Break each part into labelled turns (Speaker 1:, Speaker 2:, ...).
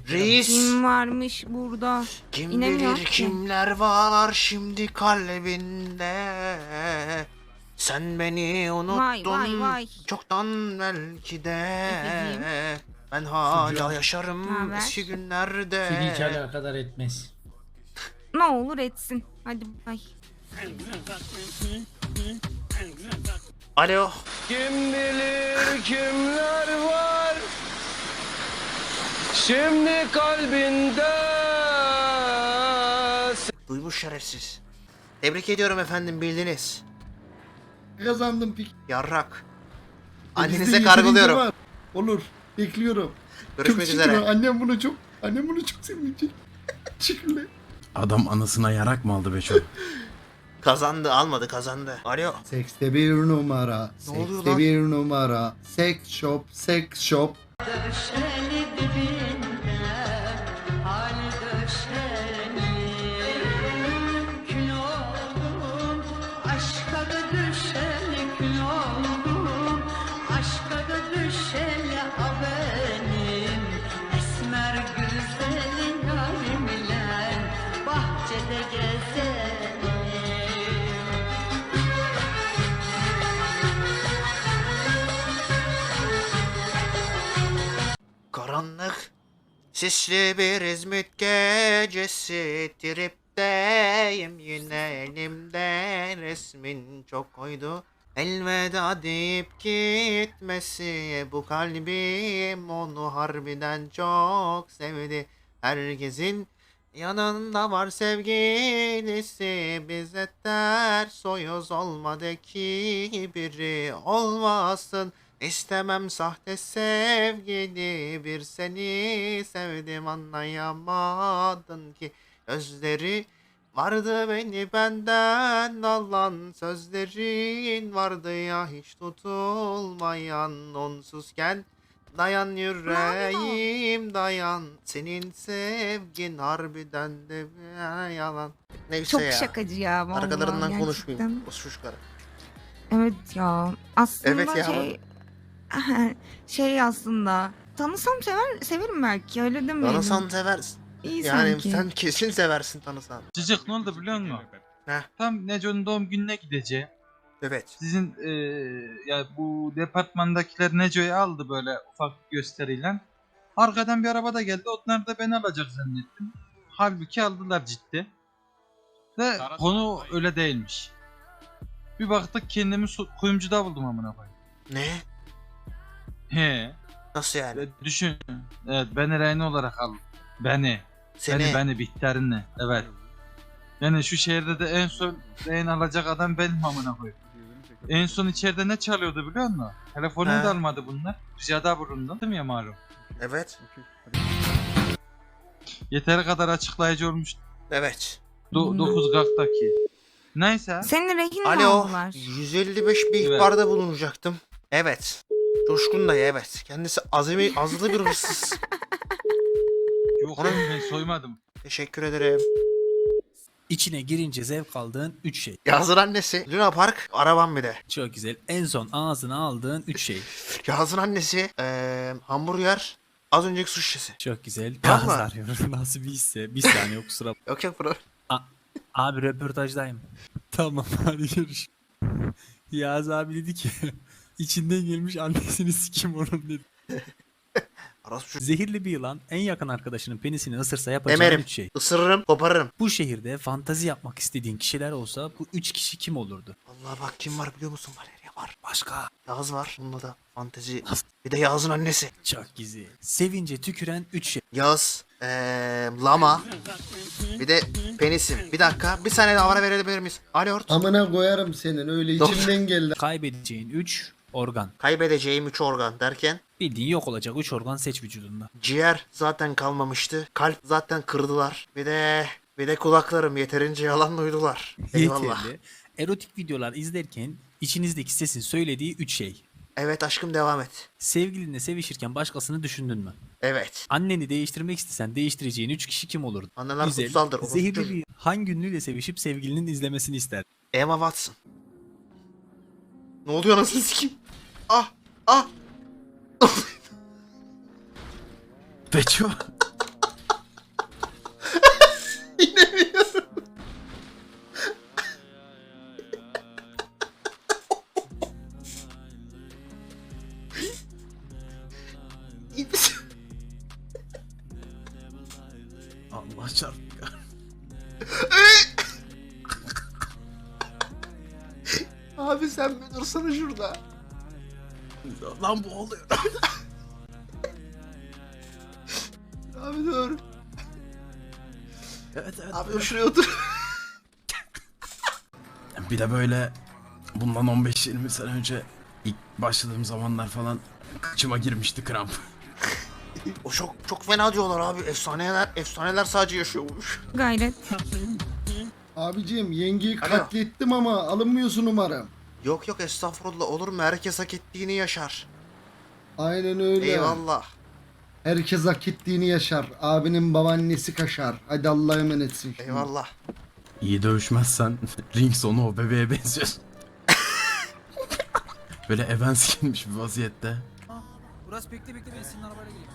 Speaker 1: Reis.
Speaker 2: Kim varmış burada?
Speaker 1: Kim
Speaker 2: İnemiyor
Speaker 1: bilir
Speaker 2: ki.
Speaker 1: kimler var şimdi kalbinde. Sen beni unuttun
Speaker 2: vay.
Speaker 1: çoktan belki de.
Speaker 2: Efeciğim.
Speaker 1: Ben hala
Speaker 3: Çocuğum.
Speaker 1: yaşarım
Speaker 2: Naber?
Speaker 1: eski günlerde.
Speaker 3: Seni hiç alakadar etmez.
Speaker 2: Ne olur etsin. Hadi bay.
Speaker 1: Alo.
Speaker 4: Kim bilir kimler var şimdi kalbinde.
Speaker 1: Duymuş şerefsiz. Tebrik ediyorum efendim, bildiniz.
Speaker 5: Kazandım pik.
Speaker 1: Yarrak.
Speaker 5: Bizde
Speaker 1: Annenize
Speaker 5: yeterince
Speaker 1: kargılıyorum.
Speaker 5: var. Olur. Bekliyorum.
Speaker 1: Görüşmek
Speaker 5: Çok şükür,
Speaker 1: üzere.
Speaker 5: Annem bunu çok sevinecek. Teşekkürler.
Speaker 6: Adam anasına yarak mı aldı be çok?
Speaker 1: Kazandı, almadı, kazandı. Alo.
Speaker 5: Sekste bir numara.
Speaker 1: Ne oluyor
Speaker 5: Sekste
Speaker 1: lan?
Speaker 5: bir numara. Sex shop, sex shop.
Speaker 7: Döşeli dibinde hal döşeli kül oldum aşka da düşeli kül oldum aşka da düşeli a benim esmer güzel yarimle bahçede gezelim.
Speaker 1: Karanlık, sisli bir İzmit gecesi, tripteyim yine, elimde resmin çok koydu. Elveda deyip gitmesi, bu kalbim onu harbiden çok sevdi. Herkesin yanında var sevgilisi, bize ters soyuz olmadı ki biri olmasın. İstemem sahte sevgili, bir seni sevdim anlayamadın ki. Gözleri vardı beni benden alan, sözlerin vardı ya hiç tutulmayan. Onsuzken dayan yüreğim dayan, senin sevgin harbiden de yalan. Neyse
Speaker 2: Çok
Speaker 1: ya.
Speaker 2: şakacı ya vallahi
Speaker 1: Arkalarından
Speaker 2: gerçekten.
Speaker 1: konuşmayayım. Boş karı.
Speaker 2: Evet ya. Aslında
Speaker 1: Evet ya.
Speaker 2: şey aslında tanısam severim belki, öyle demeyelim.
Speaker 1: Tanısan seversin.
Speaker 2: İyi
Speaker 1: Yani
Speaker 2: sanki.
Speaker 1: sen kesin seversin tanısan.
Speaker 8: Cicik ne oldu biliyor musun?
Speaker 1: Heh.
Speaker 8: Tam Neco'nun doğum gününe gideceğim.
Speaker 1: Evet.
Speaker 8: Sizin ya bu departmandakiler Neco'yu aldı böyle ufak bir gösteriyle. Arkadan bir araba da geldi. Onlar da beni alacak zannettim. Halbuki aldılar ciddi. Ve konu öyle değilmiş. Bir baktık kendimi kuyumcuda buldum amına koyayım.
Speaker 1: Ne?
Speaker 8: He.
Speaker 1: Nasıl yani?
Speaker 8: Düşün. Evet, beni rehin olarak al. Beni.
Speaker 1: Seni.
Speaker 8: Beni Bihter'inle. Evet. Yani şu şehirde de en son rehin alacak adam benim amına koyayım. En son içeride ne çalıyordu biliyor musun? Telefonumu
Speaker 1: He.
Speaker 8: da almadı bunlar. Ricada bulundum. Değil mi ya malum?
Speaker 1: Evet.
Speaker 8: Yeteri kadar açıklayıcı olmuş.
Speaker 1: Evet.
Speaker 8: 9 Gak'taki. Neyse.
Speaker 2: Seni rehin mi
Speaker 1: Alo.
Speaker 2: aldılar?
Speaker 1: 155 bir ihbarda bulunacaktım. Evet. Coşkun dayı, evet. Kendisi azılı bir hırsız.
Speaker 8: Yok oğlum ben soymadım.
Speaker 1: Teşekkür ederim.
Speaker 6: İçine girince zevk aldığın 3 şey.
Speaker 1: Yazın annesi. Luna Park. Arabam bir de.
Speaker 6: Çok güzel. En son ağzına aldığın 3 şey.
Speaker 1: Yazın annesi. Hamburger. Az önceki su şişesi.
Speaker 6: Çok güzel.
Speaker 1: Tamam mı?
Speaker 6: Yağız arıyorum. Nasıl bir hisse? Bir saniye kusura bakma.
Speaker 1: Yok yok bro.
Speaker 6: Abi röportajdayım. Tamam hadi görüş. Yağız abi dedi ki içinden gelmiş annesini sikim onun dedi.
Speaker 1: Arası şu.
Speaker 6: Zehirli bir yılan en yakın arkadaşının penisini ısırsa yapacağın
Speaker 1: Emerim.
Speaker 6: 3 şey.
Speaker 1: Isırırım, koparırım.
Speaker 6: Bu şehirde fantazi yapmak istediğin kişiler olsa bu 3 kişi kim olurdu?
Speaker 1: Allah bak kim var biliyor musun? Valeria var.
Speaker 6: Başka.
Speaker 1: Yağız var. Bununla da fantezi. Bir de Yağız'ın annesi.
Speaker 6: Çok güzel. Sevince tüküren 3 şey.
Speaker 1: Yağız. Lama. Bir de penisim. Bir dakika. Bir saniye daha ara verebilir miyiz? Alo.
Speaker 5: Amına koyarım senin, öyle
Speaker 1: Dur.
Speaker 5: içimden geldi.
Speaker 6: Kaybedeceğin 3 organ.
Speaker 1: Kaybedeceğim 3 organ derken.
Speaker 6: Bildiğin yok olacak 3 organ seç vücudunda.
Speaker 1: Ciğer zaten kalmamıştı. Kalp zaten kırdılar. Bir de kulaklarım yeterince yalan duydular. Eyvallah.
Speaker 6: Yeterli. Erotik videolar izlerken içinizdeki sesin söylediği 3 şey.
Speaker 1: Evet aşkım, devam et.
Speaker 6: Sevgilinle sevişirken başkasını düşündün mü?
Speaker 1: Evet.
Speaker 6: Anneni değiştirmek istesen değiştireceğin 3 kişi kim olurdu?
Speaker 1: Anneler
Speaker 6: Güzel.
Speaker 1: kutsaldır.
Speaker 6: Zehirli bir hangi ünlüyle sevişip sevgilinin izlemesini ister?
Speaker 1: Emma Watson. Ne oluyor anasını sikeyim? Ah! Ah!
Speaker 6: Beço.
Speaker 3: Allah çarptı.
Speaker 1: Abi sen bir dursana şurada.
Speaker 3: Lan bu oluyor.
Speaker 1: Abi dur.
Speaker 3: Evet evet.
Speaker 1: Abi şuraya otur.
Speaker 3: Bir de böyle bundan 15-20 sene önce ilk başladığım zamanlar falan kıçıma girmişti kramp.
Speaker 1: O çok fena diyorlar abi. Efsaneler sadece yaşıyormuş.
Speaker 2: Gayret.
Speaker 5: Abicim yengeyi
Speaker 1: Alo.
Speaker 5: katlettim ama alınmıyorsun umarım.
Speaker 1: Yok estağfurullah, olur mu? Herkes hak ettiğini yaşar.
Speaker 5: Aynen öyle.
Speaker 1: Eyvallah.
Speaker 5: Herkes hak ettiğini yaşar. Abinin babaannesi kaşar. Hadi Allah'a emanetsin. şimdi.
Speaker 1: Eyvallah.
Speaker 3: İyi dövüşmezsen ring sonu o bebeğe benziyorsun. Böyle Evans giymiş bir vaziyette.
Speaker 6: Burası bekle ben senin arabayla geleyim.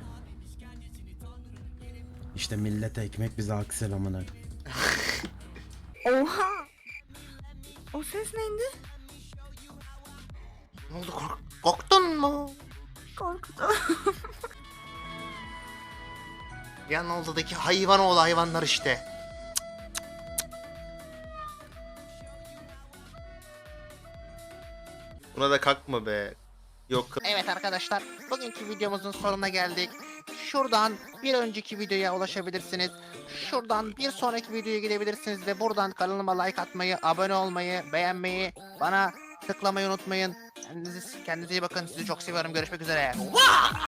Speaker 3: İşte millete ekmek bize aksel amına.
Speaker 2: Oha. O ses neydi?
Speaker 1: Ne oldu, korktun mu?
Speaker 2: Korkuttu.
Speaker 1: Yan oldudaki hayvan oğlu hayvanlar işte. Buna da kalkma be. Yok. Evet arkadaşlar, bugünkü videomuzun sonuna geldik. Şuradan bir önceki videoya ulaşabilirsiniz. Şuradan bir sonraki videoya gidebilirsiniz ve buradan kanalıma like atmayı, abone olmayı, beğenmeyi, bana tıklamayı unutmayın. Kendinize iyi bakın. Sizi çok seviyorum. Görüşmek üzere.